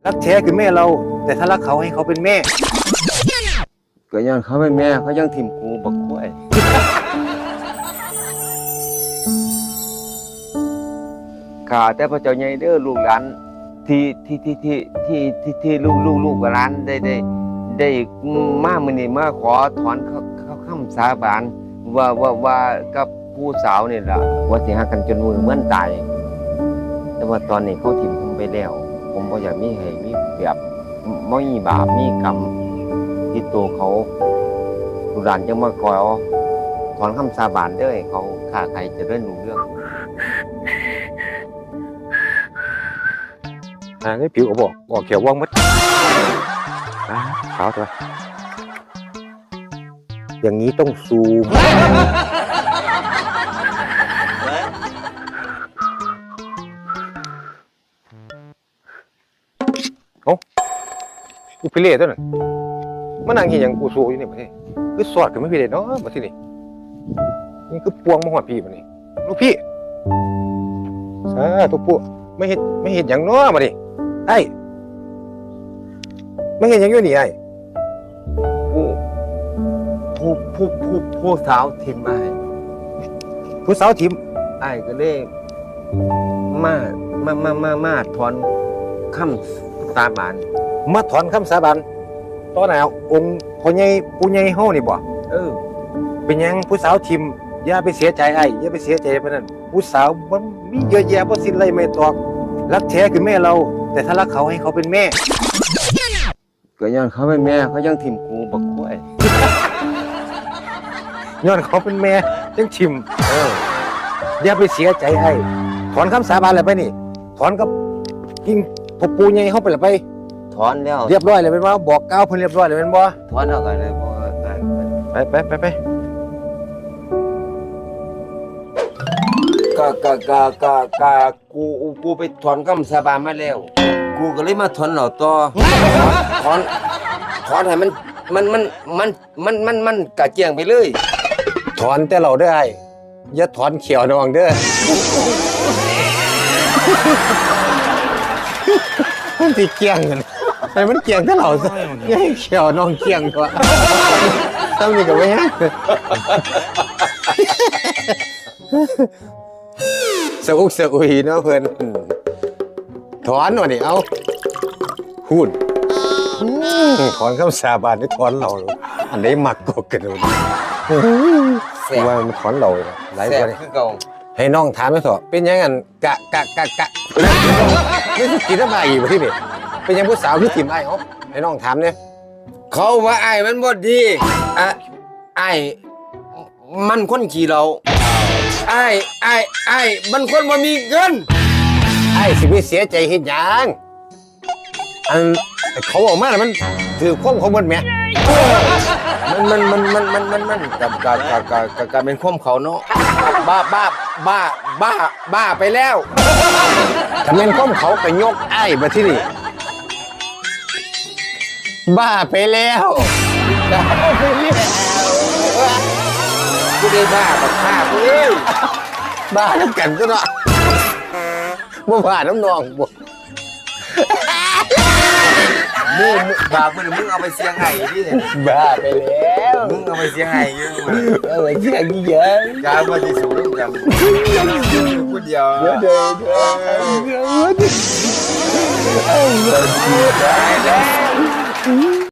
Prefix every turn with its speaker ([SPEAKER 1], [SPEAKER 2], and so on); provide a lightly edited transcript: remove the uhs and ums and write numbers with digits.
[SPEAKER 1] รักแท้คือแม่เราแต่ถ้ารักเขาให้เขาเป็นแม่
[SPEAKER 2] ก็ย้อนเขาเป็นแม่เขายังถิ่มกูบักกล้วยข้าแต่พระเจ้าใหญ่เด้อลูกหลานที่ลูกกับหลานได้มามื้อนี้มาขอถอนคำสาบานว่ากับผู้สาวนี่ล่ะว่าสิฮักกันจนมือเหมือนตายแต่ว่าตอนนี้เขาถิ่มผมไปแล้วผมบ่อยากมีให้มีแบบบ่มีบาปมีกรรมที่ตัวเขาลูกหลานจังมาขอถอนคำสาบานเด้อให้เขาค้าใครจะเริ่มรู้เรื่อง
[SPEAKER 1] นี่ผิวก็บอกเขียวว่างมัดขาวตัวอย่างนี้ต้องซูมโอ้กูพิเรศตัวนั้นมันนั่งเห็นอย่างกูซูอยู่นี่ประเทศคือสอดกับไม่พิเรศเนาะมาที่นี่นี่คือปวงมหัวพี่มานี่ลูกพี่ตัวปุ๊ไม่เห็นอย่างเนาะมาดิไอ้ไม่เห็นอย่างอยู่นี่ไอ้
[SPEAKER 2] ผู้สาวทิมมา
[SPEAKER 1] ผู้สาวทิม
[SPEAKER 2] ไอ้ก็เลยมาถอนคำสาบาน
[SPEAKER 1] มาถอนคำสาบานตอนไหนองค์พ่อใหญ่ปู่ใหญ่เฮานี่บ่เป็นยังผู้สาวทิมอย่าไปเสียใจไอ้อย่าไปเสียใจเพราะนั้นผู้สาวมันมีเยอะแยะบ่สิ้นเลยไม่ตอกรักแท้คือแม่เราแต่ถ้ารักเขาให้เขาเป็นแม่
[SPEAKER 2] ก็ย้อนเขาเป็นแม่เขายังถิ่มกูบักกล้วย
[SPEAKER 1] ย้อนเขาเป็นแม่ยังทิมอย่าไปเสียใจไอ้ถอนคำสาบานเลยไปนี่ถอนกับกิ่งพ่อปู่ใหญ่เฮาไปเลยไป
[SPEAKER 2] ถอนแล้ว
[SPEAKER 1] เรียบร้อยเลยเป็นบ่บอกกล่าวเพิ่นเรียบร้อยเลยเป็นบ่
[SPEAKER 2] ถอนแล้วก็เลย
[SPEAKER 1] ไป
[SPEAKER 2] กูไปถอนคำสาบานมาแล้วกูก็เลยมาถอนเหล่าต่อถอนให้มันกะเจียงไปเลย
[SPEAKER 1] ถอนแต่เราได้อย่าถอนเขียวน้องเด้อมันสิเกี่ยงกันไอ้มันเกี่ยงแต่เราซะอย่าให้เขียวน้องเกี่ยงตัวทำนี่ก็ไม่ฮะสะอุกสะอุยเนาะเพื่อนถอนหน่อยดิเอาพูดถอนคำสาบานนี่ถอนเราอันไหนมักกกันเลยว่ามันถอนเราหลายคนให้น้องถามไม่ถอดเป็นยังไงกะไม่สุกินอะไรอีกที่นี่เป็นยังผู้สาวที่ทีมไอ้เขาให้น้องถามเนี่ย
[SPEAKER 2] เขาว่าไอ้มันบ่ดีไอ้มันคนขี่เราไอ้มันคนบ่มีเงิน
[SPEAKER 1] ไอ้สิไม่เสียใจเห็นยังอันเขาออกมาแล้วมันถือความเขาหมดไหม
[SPEAKER 2] มันกับเป็นความเขาเนาะบ้าไปแล้ว
[SPEAKER 1] ถ้าเป็นความเขาไปยกไอ้มาที่นี่บ้าไปแล้ว
[SPEAKER 2] กูได้บ้ากับข้ากูเลย
[SPEAKER 1] บ้าน้ำกันก็เนาะบ่บ้าน้ำนองบ่
[SPEAKER 2] มึงบ้ามึงเอาไปเสียงไห้ดิ
[SPEAKER 1] บ้าไปแล้ว
[SPEAKER 2] มึงเอาไปเสียงไห้เยอะ
[SPEAKER 1] เอาไปเสียงเยอะ
[SPEAKER 2] การมาที่สูงกันพูดเดียว
[SPEAKER 1] เดี๋ยว